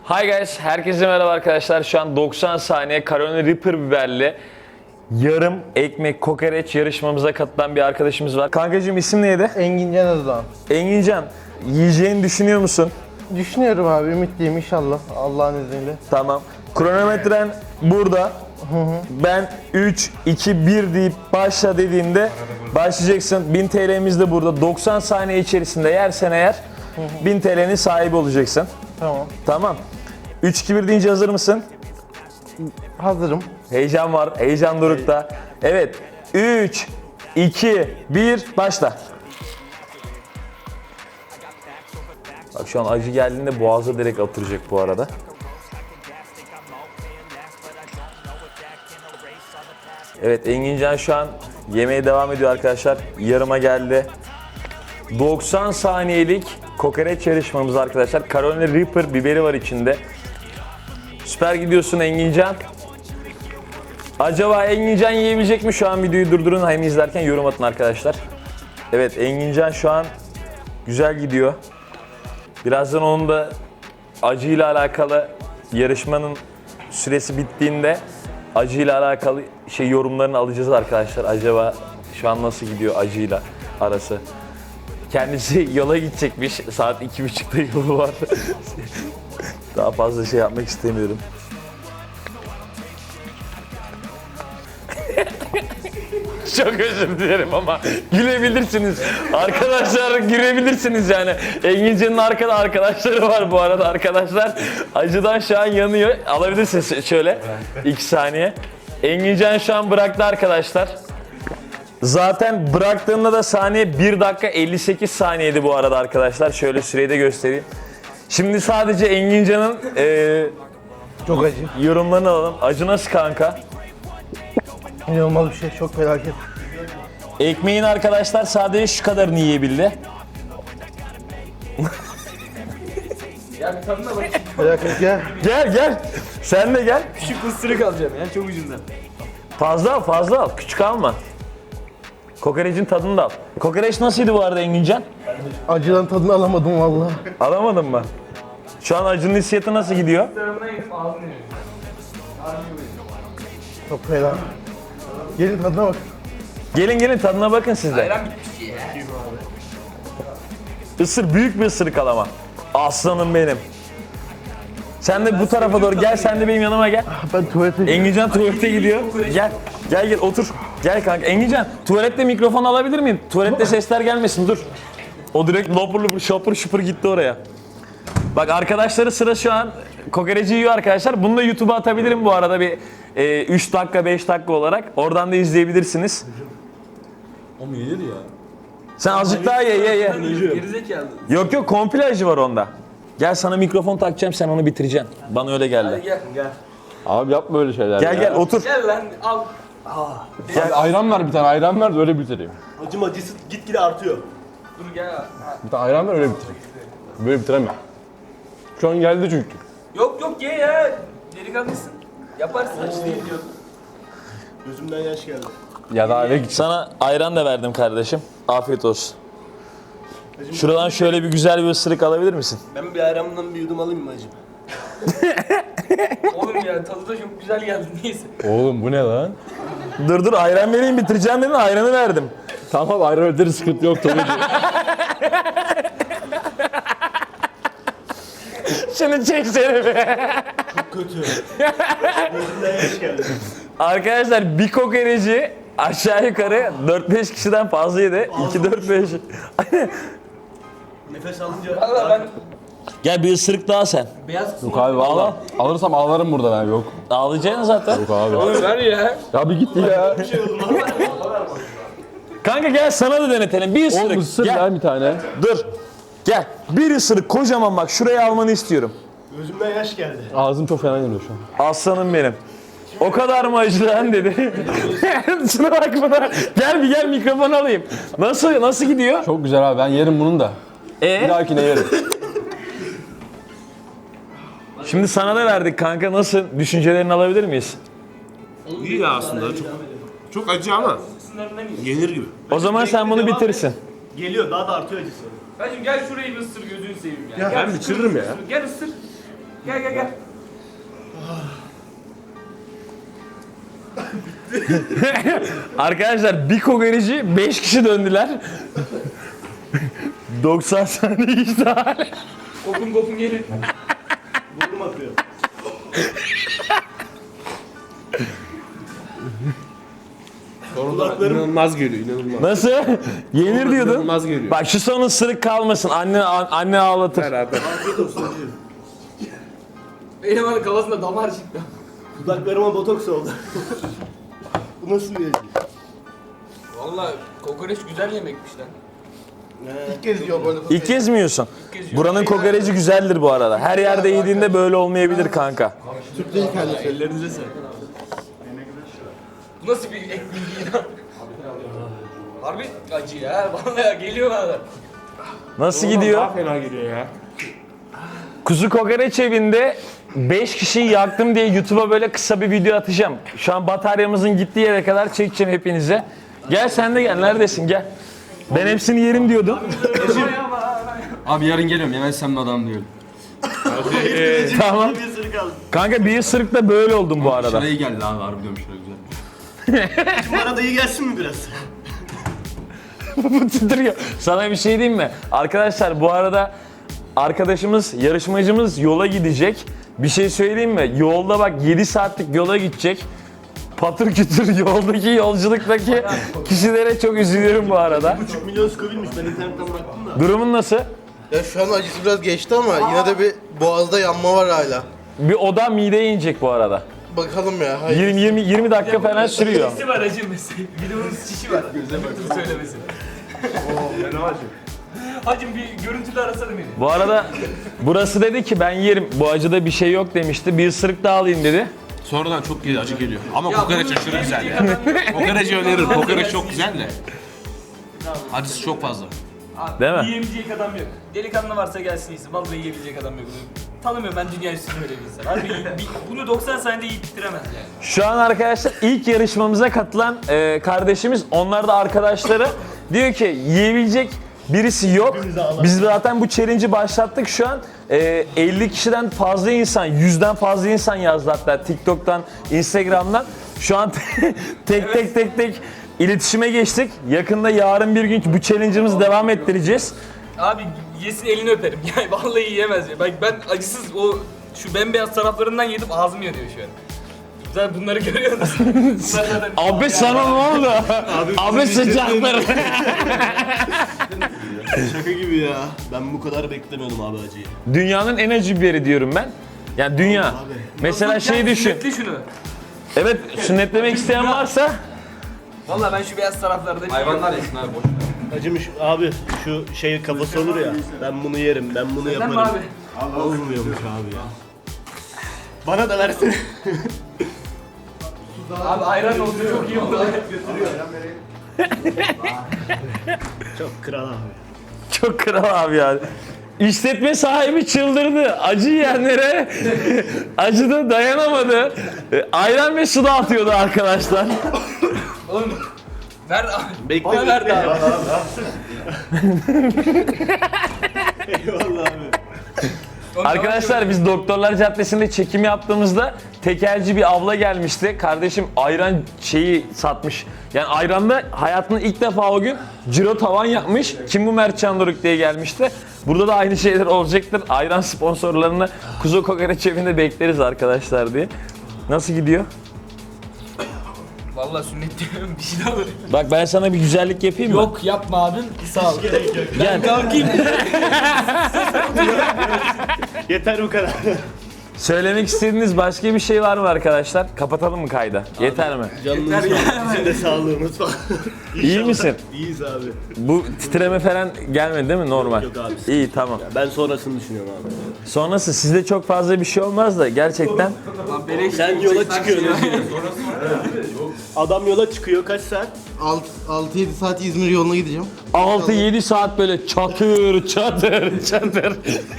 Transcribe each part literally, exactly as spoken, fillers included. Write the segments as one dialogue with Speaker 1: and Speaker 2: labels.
Speaker 1: Hi guys, herkese merhaba arkadaşlar. Şu an doksan saniye Carolina Reaper biberli yarım ekmek kokoreç yarışmamıza katılan bir arkadaşımız var. Kankacığım isim neydi?
Speaker 2: Engincan Özdoğan.
Speaker 1: Engincan, yiyeceğini düşünüyor musun?
Speaker 2: Düşünüyorum abi, ümitliyim inşallah Allah'ın izniyle.
Speaker 1: Tamam. Kronometren burada. Ben üç, iki, bir deyip başla dediğimde başlayacaksın. bin T L'miz de burada. doksan saniye içerisinde yersen eğer bin T L'nin sahibi olacaksın.
Speaker 2: Tamam.
Speaker 1: Tamam. üç, iki, bir deyince hazır mısın?
Speaker 2: Hazırım.
Speaker 1: Heyecan var, heyecan dorukta. Evet, üç, iki, bir, başla. Bak şu an acı geldiğinde boğaza direkt atıracak bu arada. Evet, Engincan şu an yemeye devam ediyor arkadaşlar. Yarıma geldi. doksan saniyelik kokoreç yarışmamız arkadaşlar. Carolina Reaper biberi var içinde. Süper gidiyorsun Engincan. Acaba Engincan yiyebilecek mi? Şu an videoyu durdurun, hem izlerken yorum atın arkadaşlar. Evet, Engincan şu an güzel gidiyor. Birazdan onun da acıyla alakalı yarışmanın süresi bittiğinde acıyla alakalı şey yorumlarını alacağız arkadaşlar. Acaba şu an nasıl gidiyor acıyla arası? Kendisi yola gidecekmiş. Saat iki buçukta yolu var. Daha fazla şey yapmak istemiyorum. Çok özür dilerim ama gülebilirsiniz. Arkadaşlar gülebilirsiniz yani. Engincan'ın arkada arkadaşları var bu arada arkadaşlar. Acıdan şu an yanıyor. Alabilirsiniz şöyle. iki saniye. Engincan şu an bıraktı arkadaşlar. Zaten bıraktığında da saniye bir dakika elli sekiz saniyeydi bu arada arkadaşlar. Şöyle süreyi de göstereyim. Şimdi sadece Engincan'ın e,
Speaker 2: Çok acı.
Speaker 1: yorumlarını alalım. Acı nasıl kanka?
Speaker 2: İnanılmaz bir şey, çok felaket.
Speaker 1: Ekmeğin arkadaşlar sadece şu kadarını yiyebildi.
Speaker 3: Ya bir tadına bak.
Speaker 2: Felaket ya.
Speaker 1: Gel gel. Sen de gel.
Speaker 3: Küçük ısırık alacağım ya çok ucundan.
Speaker 1: Fazla al fazla al. Küçük alma. Kokoreçin tadını da al. Kokoreç nasıldı bu arada Engincan?
Speaker 2: Acıdan tadını alamadım vallahi.
Speaker 1: Alamadın mı? Şu an acının hissiyatı nasıl gidiyor?
Speaker 3: Tarafına yedim ağzını yedim.
Speaker 2: Çok fena. Gelin tadına bak.
Speaker 1: Gelin gelin tadına bakın siz de.
Speaker 3: Ayran bitmiş ya.
Speaker 1: Isır, büyük bir ısırık al ama. Aslanım benim. Sen de bu tarafa doğru gel, sen de benim yanıma gel.
Speaker 2: Ben tuvalete...
Speaker 1: Engincan tuvalete gidiyor. Gel, gel gel otur. Gel kanka. Engincan, tuvalette mikrofon alabilir miyim? Tuvalette sesler gelmesin, dur. O direkt lopur lopur, şopur şupur gitti oraya. Bak arkadaşları sıra şu an kokoreci yiyor arkadaşlar. Bunu da YouTube'a atabilirim bu arada bir e, üç dakika beş dakika olarak. Oradan da izleyebilirsiniz.
Speaker 4: Ama yenir ya.
Speaker 1: Sen azıcık daha ye ye ye.
Speaker 3: Gerizekalı.
Speaker 1: Yok yok komple acı var onda. Gel sana mikrofon takacağım, sen onu bitireceksin. Bana öyle geldi.
Speaker 3: Gel gel.
Speaker 4: Abi yapma öyle şeyler
Speaker 1: Gel
Speaker 4: ya.
Speaker 1: gel otur.
Speaker 3: Gel lan al.
Speaker 4: Abi ayran ver bir tane, ayran ver de öyle bitireyim.
Speaker 5: Acım acısı gitgide artıyor.
Speaker 3: Dur gel.
Speaker 4: Bir tane ayran ver öyle bitireyim. Böyle bitiremem. Şu an geldi çünkü.
Speaker 3: Yok yok ye ya. Delikanlısın. Yaparsın acı değil diyor.
Speaker 5: Gözümden yaş geldi.
Speaker 4: Ya da eve git.
Speaker 1: Sana ayran da verdim kardeşim. Afiyet olsun. Şuradan şöyle bir güzel bir ısırık alabilir misin?
Speaker 5: Ben bir ayranımdan bir yudum alayım mı acım?
Speaker 3: Oğlum ya tadı da çok güzel geldi neyse.
Speaker 4: Oğlum bu ne lan?
Speaker 1: Dur dur ayran vereyim, bitireceğim dedin, ayranı verdim.
Speaker 4: Tamam ayran öderi sıkıntı yok tabii ki.
Speaker 1: Şunu çeksene be.
Speaker 5: Kötü. Gözümden yaş geldi.
Speaker 1: Arkadaşlar bir kokoreci aşağı yukarı dört beş kişiden fazla yedi. iki dört beş.
Speaker 5: Nefes alınca...
Speaker 3: Valla ben
Speaker 1: Gel bir ısırık daha sen.
Speaker 3: beyaz
Speaker 4: Yok abi valla. Alırsam ağlarım burada ben yok.
Speaker 1: Ağlayacaksın zaten.
Speaker 4: Yok abi.
Speaker 3: Oğlum ver ya.
Speaker 4: Ya bir git ya.
Speaker 1: Kanka gel sana da denetelim. Bir ısırık.
Speaker 4: Oğlum ısır
Speaker 1: Gel.
Speaker 4: ya bir tane.
Speaker 1: Dur. Gel. Bir ısırık kocaman bak. Şuraya almanı istiyorum.
Speaker 5: Gözümden yaş geldi.
Speaker 4: Ağzım çok fena yanıyor şu an.
Speaker 1: Aslanım benim. O kadar mı acı lan dedi. Şuna bak buna. Gel bir gel mikrofon alayım. Nasıl nasıl gidiyor?
Speaker 4: Çok güzel abi ben yerim bunun da. Bir
Speaker 1: Ee?
Speaker 4: dahakine yerim.
Speaker 1: Şimdi sana da verdik kanka. Nasıl? Düşüncelerini alabilir miyiz?
Speaker 6: İyi ya aslında çok çok acı ama yenir gibi.
Speaker 1: O zaman sen bunu bitirsin.
Speaker 5: Geliyor, daha da artıyor acısı.
Speaker 3: Hacım gel şurayı bir ısır gözünü seveyim ya.
Speaker 6: Ben bitiririm ya.
Speaker 3: Gel ısır. Gel gel gel.
Speaker 1: Arkadaşlar bir kokoreci beş kişi döndüler. doksan saniye geçti hala.
Speaker 3: Kopun kopun gelin.
Speaker 5: Burnum akıyor.
Speaker 6: Kulaklarım inanılmaz geliyor, inanılmaz.
Speaker 1: Nasıl? Yenir diyordun.
Speaker 6: İnanılmaz geliyor.
Speaker 1: Bak şu son ısırık kalmasın. Anne anne ağlatır.
Speaker 6: Beraber.
Speaker 5: Afiyet olsun hacı.
Speaker 3: Benim hani kafasında damar çıktı.
Speaker 5: Dudaklarıma botoks oldu. Bu nasıl bir acı?
Speaker 3: Valla kokoreç güzel yemekmiş lan.
Speaker 2: İlk kez yiyor böyle.
Speaker 1: İlk kez mi yiyorsun?
Speaker 3: kez yiyorum.
Speaker 1: Buranın kokoreci güzeldir bu arada. Her yerde yediğinde böyle olmayabilir kanka.
Speaker 2: Türk değil kendisi.
Speaker 5: Ellerinize sağlık.
Speaker 3: Bu nasıl bir ek bilgi ya? Harbi acı ya. Vallahi geliyor bana.
Speaker 1: Nasıl
Speaker 6: Daha
Speaker 1: gidiyor?
Speaker 6: fena geliyor ya.
Speaker 1: Kuzu kokoreç evinde beş kişiyi yaktım diye YouTube'a böyle kısa bir video atacağım. Şu an bataryamızın gittiği yere kadar çekeceğim hepinize. Gel sen de gel. Neredesin? Gel. Ben hepsini yerim diyordum.
Speaker 7: Abi yarın geliyorum yemezsem mi adam diyorum.
Speaker 1: Tamam.
Speaker 5: Bir ısırık aldım.
Speaker 1: Kanka bir ısırıkta böyle oldum bu arada.
Speaker 7: Şuraya iyi geldi abi harbi diyorum şuraya güzel.
Speaker 5: Bu arada iyi gelsin mi biraz?
Speaker 1: Bu titriyor. Sana bir şey diyeyim mi? Arkadaşlar bu arada arkadaşımız, yarışmacımız yola gidecek. Bir şey söyleyeyim mi? Yolda bak yedi saatlik yola gidecek. Patır kütür yoldaki yolculuktaki kişilere çok üzülüyorum bu arada.
Speaker 5: bir buçuk milyon Scoville'miş. Ben internetten baktım da.
Speaker 1: Durumun nasıl?
Speaker 2: Ya şu an acısı biraz geçti ama yine de bir boğazda yanma var hala.
Speaker 1: Bir oda mideye inecek bu arada.
Speaker 2: Bakalım ya. Hayır.
Speaker 1: yirmi yirmi yirmi dakika falan sürüyor.
Speaker 3: Çişi var acı mesela. Bir de onun çişi var. Unuttum söylemesi.
Speaker 5: Fena acı.
Speaker 3: Hacım bir görüntülü arasana beni.
Speaker 1: Bu arada burası dedi ki ben yerim. Bu acıda bir şey yok demişti. Bir ısırık daha alayım dedi.
Speaker 6: Sonradan çok iyi acı geliyor. Ama
Speaker 3: Ya
Speaker 6: kokoreç
Speaker 3: bunu
Speaker 6: aşırı güzel ya.
Speaker 3: yemeyecek
Speaker 6: Kokoreci öneririm. Kokoreç çok güzel de. Acısı çok fazla.
Speaker 3: Abi,
Speaker 1: Değil mi?
Speaker 3: Yiyebilecek adam yok. Delikanlı varsa gelsin yesin. Vallahi yiyebilecek adam yok. Tanımıyorum ben dünya üstünde öyle bir insan. Harbi iyi- bir- bunu doksan saniyede yiyip bitiremez yani.
Speaker 1: Şu an arkadaşlar ilk yarışmamıza katılan e, kardeşimiz, onlar da arkadaşları diyor ki yiyebilecek birisi yok. Biz zaten bu challenge'i başlattık şu an. E, elli kişiden fazla insan, yüzden fazla insan yazdı hatta TikTok'tan, Instagram'dan. Şu an tek tek tek tek iletişime geçtik. Yakında yarın bir gün bu challenge'ımızı devam ettireceğiz.
Speaker 3: Abi yesin elini öperim. Yani vallahi yiyemez ya. Bak ben acısız o şu bembeyaz taraflarından yedim ağzım yanıyor şu an. Zaten bunları görüyorsunuz. Bunlar zaten-
Speaker 1: Abi sana ne oldu? Abi sıcaklar.
Speaker 5: Şaka gibi ya. Ben bu kadar beklemiyordum abi acıyı.
Speaker 1: Dünyanın en acı biberi diyorum ben. Yani dünya. Mesela şey düşün.
Speaker 3: Sünnetle şunu.
Speaker 1: Evet, sünnetlemek isteyen varsa
Speaker 3: Vallahi ben şu beyaz taraflarda
Speaker 7: Hayvanlar yesin abi boş ver.
Speaker 5: Acımış abi şu şey kafası olur ya. Ben bunu yerim, ben bunu
Speaker 3: Sen
Speaker 5: yaparım.
Speaker 3: mi abi?
Speaker 5: Olmuyormuş abi ya. Bana da versene.
Speaker 3: Abi ayran oldu çok iyi oldu.
Speaker 5: Çok kral abi.
Speaker 1: çok kral abi yani. İşletme sahibi çıldırdı. Acı yiyenlere acıda dayanamadı. E, Ayran ve su dağıtıyordu arkadaşlar.
Speaker 3: Oğlum ver abi.
Speaker 5: Bekle.
Speaker 3: Bana ver de abi.
Speaker 5: Eyvallah abi.
Speaker 1: Arkadaşlar biz Doktorlar Caddesi'nde çekim yaptığımızda tekelci bir abla gelmişti. Kardeşim ayran şeyi satmış. Yani ayranda hayatında ilk defa o gün ciro tavan yapmış. Kim bu Mertcan Doruk diye gelmişti. Burada da aynı şeyler olacaktır. Ayran sponsorlarını Kuzu Kokoreç evinde bekleriz arkadaşlar diye. Nasıl gidiyor?
Speaker 3: Vallahi sünnet diyorum bir şey de olur.
Speaker 1: Bak ben sana bir güzellik yapayım mı?
Speaker 3: Yok yapma abim. Sağ ol.
Speaker 1: Gel.
Speaker 3: Kalkayım.
Speaker 5: Yeter bu kadar.
Speaker 1: Söylemek istediğiniz başka bir şey var mı arkadaşlar? Kapatalım mı kayda? Yeter mi?
Speaker 5: Canınız sağ olsun. Bizim de sağlığımız falan.
Speaker 1: İyi misin?
Speaker 5: İyiyiz abi.
Speaker 1: Bu titreme falan gelmedi değil mi? Normal.
Speaker 5: Yok abi.
Speaker 1: İyi tamam.
Speaker 5: Ben sonrasını düşünüyorum abi.
Speaker 1: Sonrası sizde çok fazla bir şey olmaz da gerçekten
Speaker 5: Sen yola çıkıyorsun. Adam yola çıkıyor kaç saat?
Speaker 2: altı yedi saat İzmir yoluna gideceğim.
Speaker 1: altı yedi saat böyle çatır çatır çatır.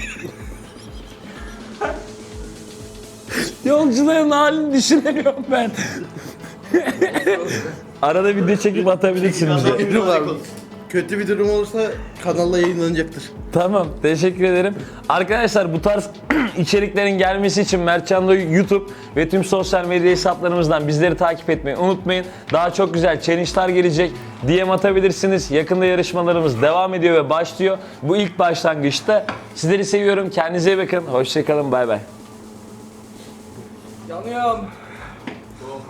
Speaker 1: Yolcuların halini düşünemiyorum ben. Arada video çekip atabilirsiniz.
Speaker 2: Fikrim var. kötü bir durum olursa kanalla yayınlanacaktır.
Speaker 1: Tamam, teşekkür ederim. Arkadaşlar bu tarz içeriklerin gelmesi için Mertcan'da YouTube ve tüm sosyal medya hesaplarımızdan bizleri takip etmeyi unutmayın. Daha çok güzel challenge'lar gelecek. D M atabilirsiniz. Yakında yarışmalarımız devam ediyor ve başlıyor. Bu ilk başlangıçta. Sizleri seviyorum. Kendinize iyi bakın. Hoşçakalın. Bay bay.
Speaker 3: Yanıyorum.